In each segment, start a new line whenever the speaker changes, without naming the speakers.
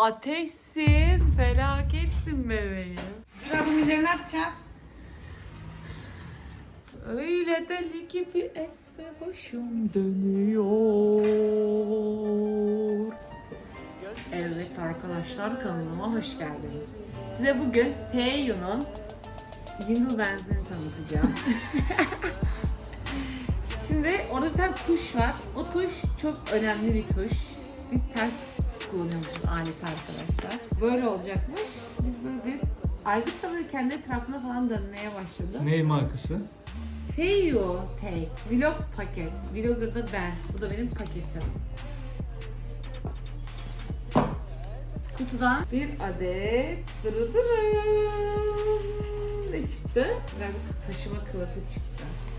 ateşsin, felaketsin bebeğim.
Zira bu mileri ne yapacağız?
Öyle deli gibi esme başım dönüyor. Evet arkadaşlar, kanalıma hoş geldiniz. Size bugün Feiyu'nun jingle benzinini tanıtacağım. Şimdi orada bir tane tuş var. O tuş çok önemli bir tuş. Biz ters kullanıyormuşuz aleti arkadaşlar. Böyle olacakmış. Biz böyle bir Aygıt da böyle kendi etrafına falan dönmeye başladı.
Ne markası?
Feiyu Take Vlog paket. Vlogger da ben. Bu da benim paketim. Kutudan bir adet ne çıktı? Güzel bir taşıma kılıfı çıktı.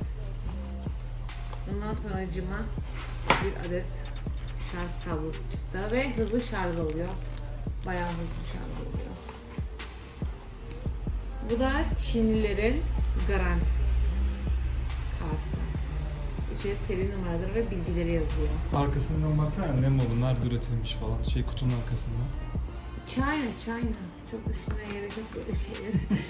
Ondan sonra acıma bir adet şarj kablosu çıktı ve hızlı şarj oluyor. Bayağı hızlı şarj oluyor. Bu da Çinlilerin garanti kartı. İçine seri numaraları ve bilgileri yazıyor.
Arkasından baksana ne malı, nerede üretilmiş falan. Kutunun arkasında.
China. Çok düşünmeye gerek yok böyle şeyler.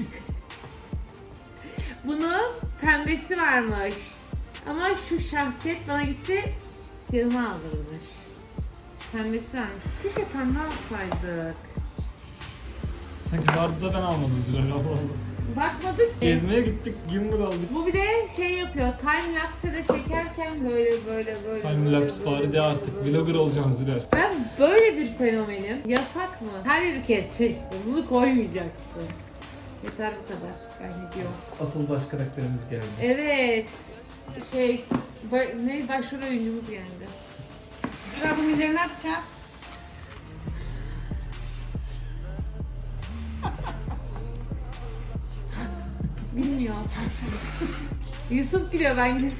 Bunun pembesi varmış. Ama şu şahsiyet bana gitti, siyahını aldırmış. Pembesi varmış. Keşke pembe alsaydık.
Sanki vardı da ben almadım Zülal, Allah Allah.
Bakmadık ki.
Gezmeye gittik, gimbal aldık.
Bu bir de şey yapıyor, time lapse de çekerken böyle.
Time lapse bari de artık, vlogger olacaksın Zülal.
Ben böyle bir fenomenim. Yasak mı? Her yeri keseceksin, bunu koymayacaksın. Yeter bu kadar. Ben gidiyorum.
Asıl baş karakterimiz geldi.
Evet. Başrol oyuncumuz geldi.
Zira bu mileri ne yapacağız?
Bilmiyor. Yusuf gülüyor, ben gülüyorum.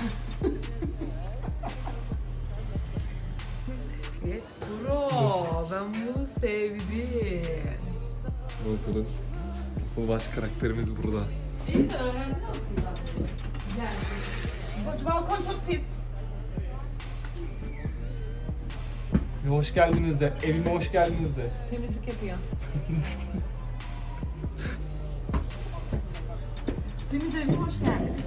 Evet bro, ben bunu sevdim.
Bakalım. Asıl baş karakterimiz burada.
Neyse öğrenme okuldan. Güzel.
Bu balkon çok pis.
Hoş geldiniz de, evime hoş geldiniz de.
Temizlik yapıyor. Deniz evine hoş geldiniz.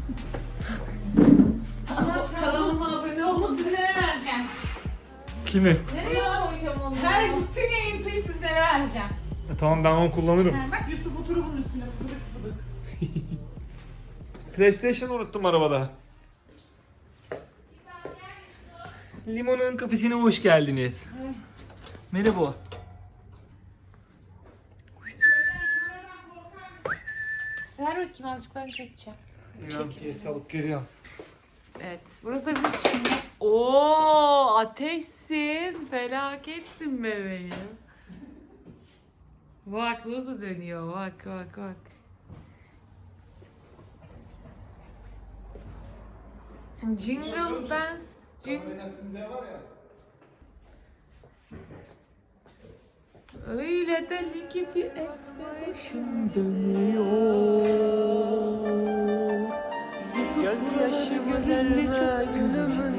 Kanalıma abone olmasın.
Sizlere vereceğim.
Kimi?
Nereye koyacağım onu?
Her bütün yayıntıyı sizlere vereceğim.
Tamam, ben onu kullanırım.
Bak Yusuf oturup bunun üstüne fıdık.
PlayStation unuttum arabada. Limonun kafesine hoş geldiniz. Merhaba.
Ver bakayım azıcık, ben çekeceğim.
İnan piyasa alıp geliyorum.
Evet, burası da bizim Çinli. Oo, ateşsin, felaketsin bebeğim. Bak nasıl dönüyor, bak. Jingle bells, öyle deli gibi esme başım dönüyor.
Gözyaşımı verme gülümün